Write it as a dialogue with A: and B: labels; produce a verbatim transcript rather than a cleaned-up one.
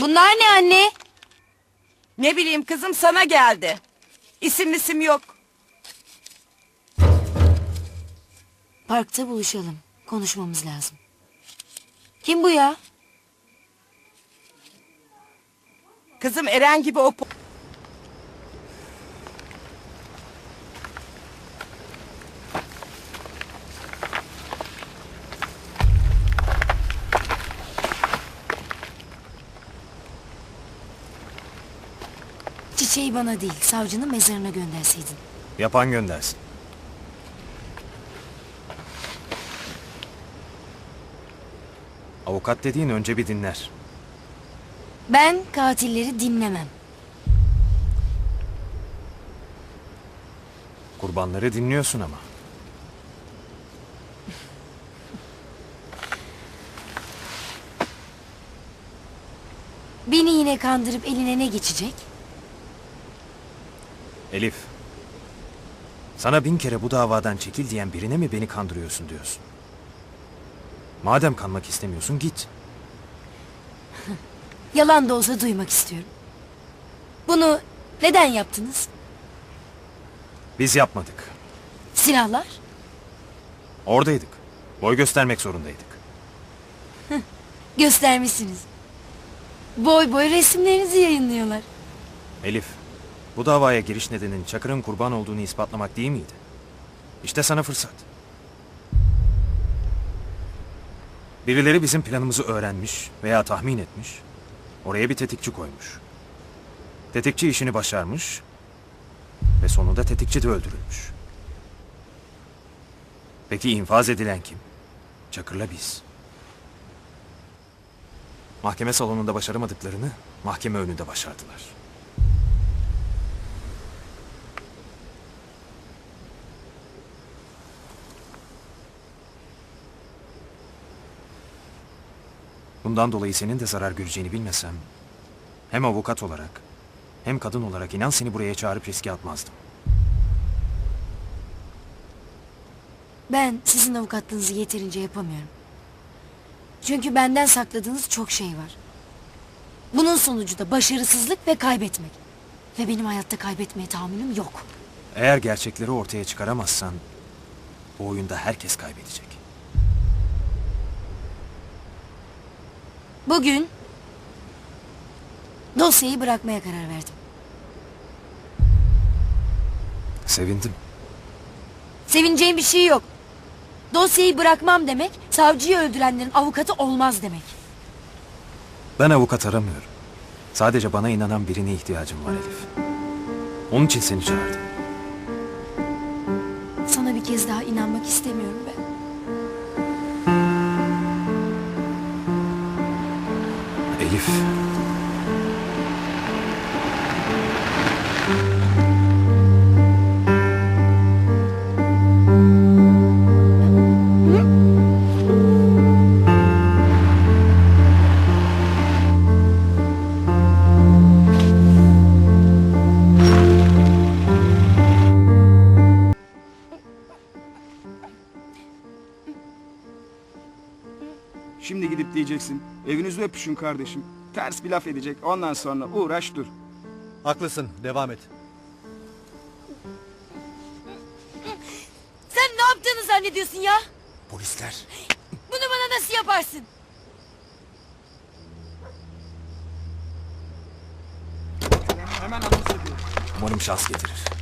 A: Bunlar ne anne?
B: Ne bileyim kızım, sana geldi. İsim isim yok.
A: Parkta buluşalım. Konuşmamız lazım. Kim bu ya?
B: Kızım Eren gibi o... po-
A: Çiçeği bana değil, savcının mezarına gönderseydin.
C: Yapan göndersin. Avukat dediğin önce bir dinler.
A: Ben katilleri dinlemem.
C: Kurbanları dinliyorsun ama.
A: Beni yine kandırıp eline ne geçecek?
C: Elif. Sana bin kere bu davadan çekil diyen birine mi beni kandırıyorsun diyorsun? Madem kanmak istemiyorsun git.
A: Yalan da olsa duymak istiyorum. Bunu neden yaptınız?
C: Biz yapmadık.
A: Silahlar?
C: Oradaydık. Boy göstermek zorundaydık.
A: Göstermişsiniz. Boy boy resimlerinizi yayınlıyorlar.
C: Elif, bu davaya giriş nedenin Çakır'ın kurban olduğunu ispatlamak değil miydi? İşte sana fırsat. Birileri bizim planımızı öğrenmiş veya tahmin etmiş, oraya bir tetikçi koymuş. Tetikçi işini başarmış ve sonunda tetikçi de öldürülmüş. Peki infaz edilen kim? Çakır'la biz. Mahkeme salonunda başaramadıklarını mahkeme önünde başardılar. Bundan dolayı senin de zarar göreceğini bilmesem, hem avukat olarak hem kadın olarak inan seni buraya çağırıp riske atmazdım.
A: Ben sizin avukatlığınızı yeterince yapamıyorum. Çünkü benden sakladığınız çok şey var. Bunun sonucu da başarısızlık ve kaybetmek. Ve benim hayatta kaybetmeye tahammülüm yok.
C: Eğer gerçekleri ortaya çıkaramazsan, bu oyunda herkes kaybedecek.
A: Bugün dosyayı bırakmaya karar verdim.
C: Sevindim.
A: Sevineceğim bir şey yok. Dosyayı bırakmam demek, savcıyı öldürenlerin avukatı olmaz demek.
C: Ben avukat aramıyorum. Sadece bana inanan birine ihtiyacım var Elif. Onun için seni çağırdım.
A: Sana bir kez daha inanmak istemiyorum ben.
C: Elif.
D: Şimdi gidip diyeceksin, evinizde öpüşün kardeşim. Ters bir laf edecek, ondan sonra uğraş dur.
E: Haklısın, devam et.
A: Sen ne yaptığını zannediyorsun ya?
C: Polisler.
A: Bunu bana nasıl yaparsın?
D: Hemen anons ediyorum.
C: Umarım şans getirir.